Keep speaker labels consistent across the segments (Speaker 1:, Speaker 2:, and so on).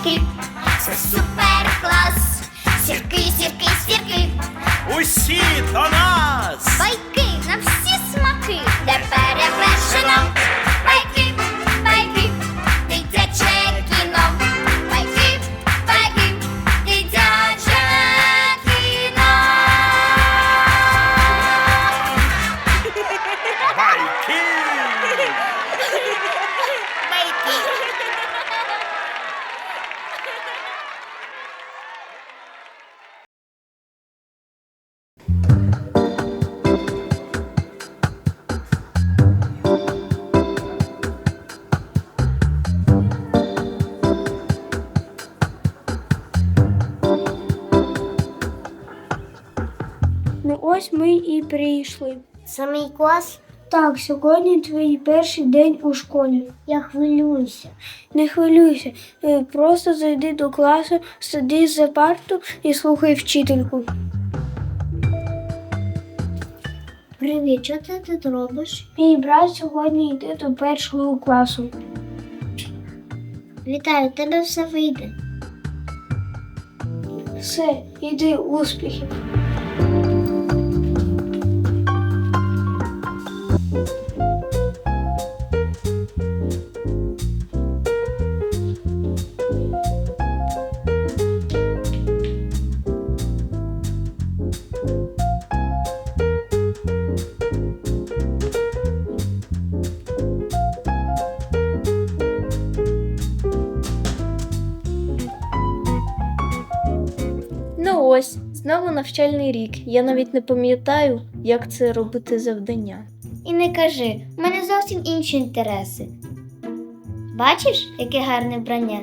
Speaker 1: сірки, це супер клас. Сірки, сірки, сірки,
Speaker 2: Усі до нас!
Speaker 1: байки на всі смаки, де перевершено. Байки, байки, дитяче кіно. Байки, байки, дитяче кіно.
Speaker 2: Байки!
Speaker 3: Ну ось ми і прийшли.
Speaker 4: Це мій клас?
Speaker 3: Так, сьогодні твій перший день у школі.
Speaker 4: Я хвилююся.
Speaker 3: Не хвилюйся, просто зайди до класу, сиди за парту і слухай вчительку.
Speaker 4: Привіт, що ти тут робиш?
Speaker 3: Мій брат сьогодні йде до першого класу.
Speaker 4: Вітаю, у тебе все вийде.
Speaker 3: Все, іди, успіхів.
Speaker 5: Ну ось, знову навчальний рік. Я навіть не пам'ятаю, як це робити завдання.
Speaker 4: І не кажи, в мене зовсім інші інтереси. Бачиш, яке гарне вбрання?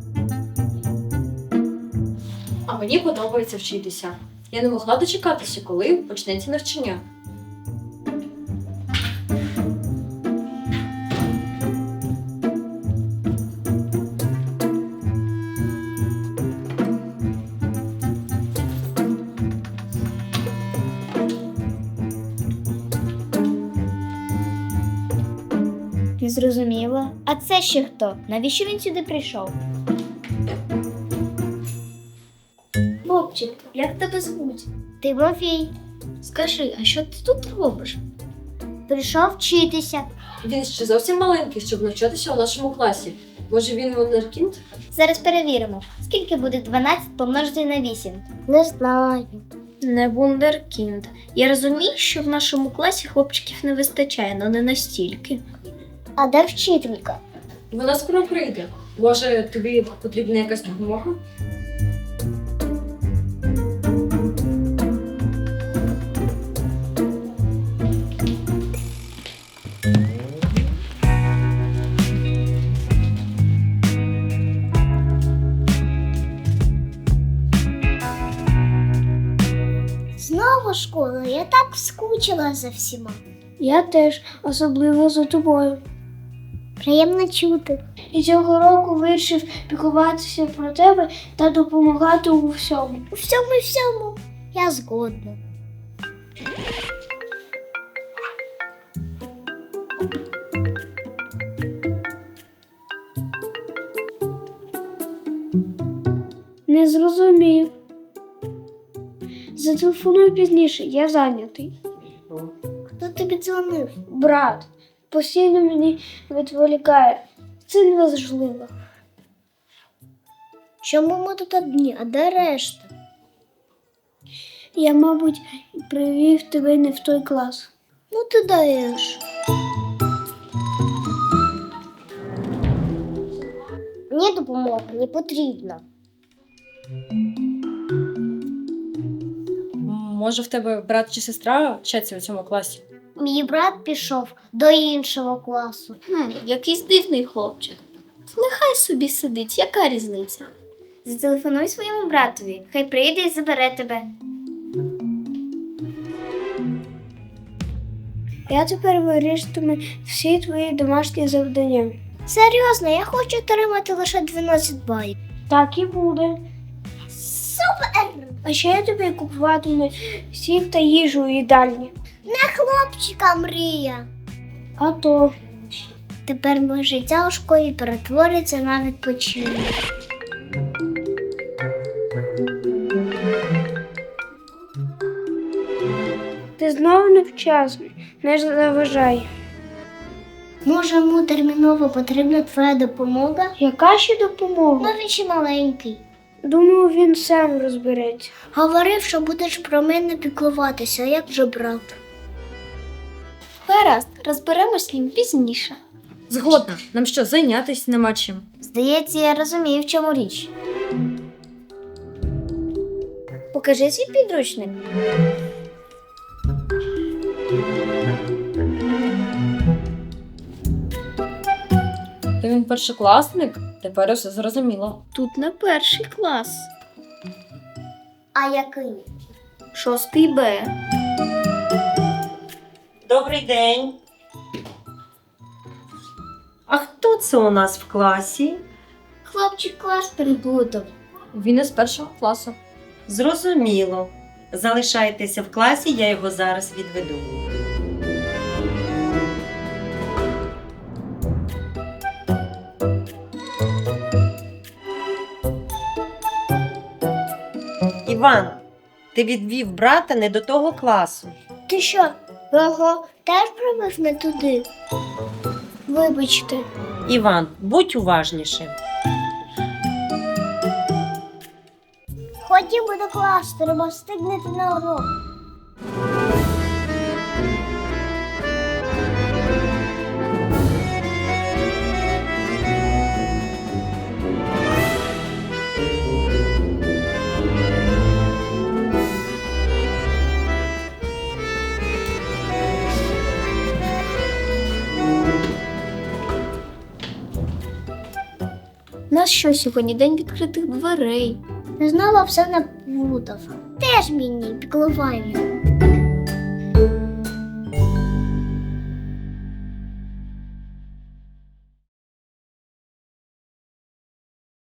Speaker 6: А мені подобається вчитися. Я не могла дочекатися, коли почнеться навчання.
Speaker 4: Не зрозуміло. А це ще хто? Навіщо він сюди прийшов?
Speaker 5: Хлопчик, як тебе звуть?
Speaker 4: Тимофій.
Speaker 5: Скажи, а що ти тут робиш?
Speaker 4: Прийшов вчитися.
Speaker 6: Він ще зовсім маленький, щоб навчатися у нашому класі. Може він вундеркінд?
Speaker 4: Зараз перевіримо. Скільки буде 12 помножити на 8? Не знаю.
Speaker 5: Не вундеркінд. Я розумію, що в нашому класі хлопчиків не вистачає, але не настільки.
Speaker 4: А де вчителька?
Speaker 6: Вона скоро прийде. Може, тобі потрібна якась допомога?
Speaker 4: Знову школа, я так скучила за всіма.
Speaker 3: Я теж, особливо за тобою.
Speaker 4: Приємно чути.
Speaker 3: І цього року вирішив піклуватися про тебе та допомагати у всьому.
Speaker 4: У всьому. Я згодна.
Speaker 3: Не зрозумів. Зателефоную пізніше, я зайнятий.
Speaker 4: Хто тобі дзвонив?
Speaker 3: Брат постійно мені відволікає. Це неважливо.
Speaker 4: Чому ми тут одні, а де решта?
Speaker 3: Я, мабуть, привів тебе не в той клас.
Speaker 4: Ну ти даєш. Мені допомога не потрібна.
Speaker 6: Може, в тебе брат чи сестра вчаться у цьому класі?
Speaker 4: Мій брат пішов до іншого класу.
Speaker 5: Якийсь дивний хлопчик. Нехай собі сидить, яка різниця?
Speaker 4: Зателефонуй своєму братові, хай прийде і забере тебе.
Speaker 3: Я тепер вирішуватиму всі твої домашні завдання.
Speaker 4: Серйозно, я хочу отримати лише 12 балів.
Speaker 3: Так і буде.
Speaker 4: Супер!
Speaker 3: А ще я тобі купуватиму сік та їжу у їдальні.
Speaker 4: Не хлопчика мрія.
Speaker 3: А то
Speaker 4: Тепер моє життя у школі перетвориться на відпочинок.
Speaker 3: знову невчасно. Не заважай.
Speaker 4: Може, йому терміново потрібна твоя допомога?
Speaker 3: Яка ще допомога?
Speaker 4: Ну, він ще маленький.
Speaker 3: Думаю, він сам розбереться.
Speaker 4: Говорив, що будеш про мене піклуватися, як же брат.
Speaker 5: Гаразд, розберемось з ним пізніше.
Speaker 6: Згодна. Нам що, зайнятися нема чим?
Speaker 4: Здається, я розумію, в чому річ. Покажи свій підручник.
Speaker 6: То він першокласник? Тепер усе зрозуміло.
Speaker 5: Тут на перший клас.
Speaker 4: А який?
Speaker 5: 6 Б.
Speaker 7: Добрий день. А хто це у нас в класі?
Speaker 4: Хлопчик клас переплутав.
Speaker 6: Він із першого класу.
Speaker 7: Зрозуміло. Залишайтеся в класі, я його зараз відведу. Іван, ти відвів брата не до того класу.
Speaker 4: Ти що, його теж провів не туди?
Speaker 3: Вибачте.
Speaker 7: Іван, будь уважнішим.
Speaker 4: Ходімо до класу, треба встигнути на урок.
Speaker 5: У нас що сьогодні? День відкритих дверей.
Speaker 4: Знову все наплутав. Теж мені піклування.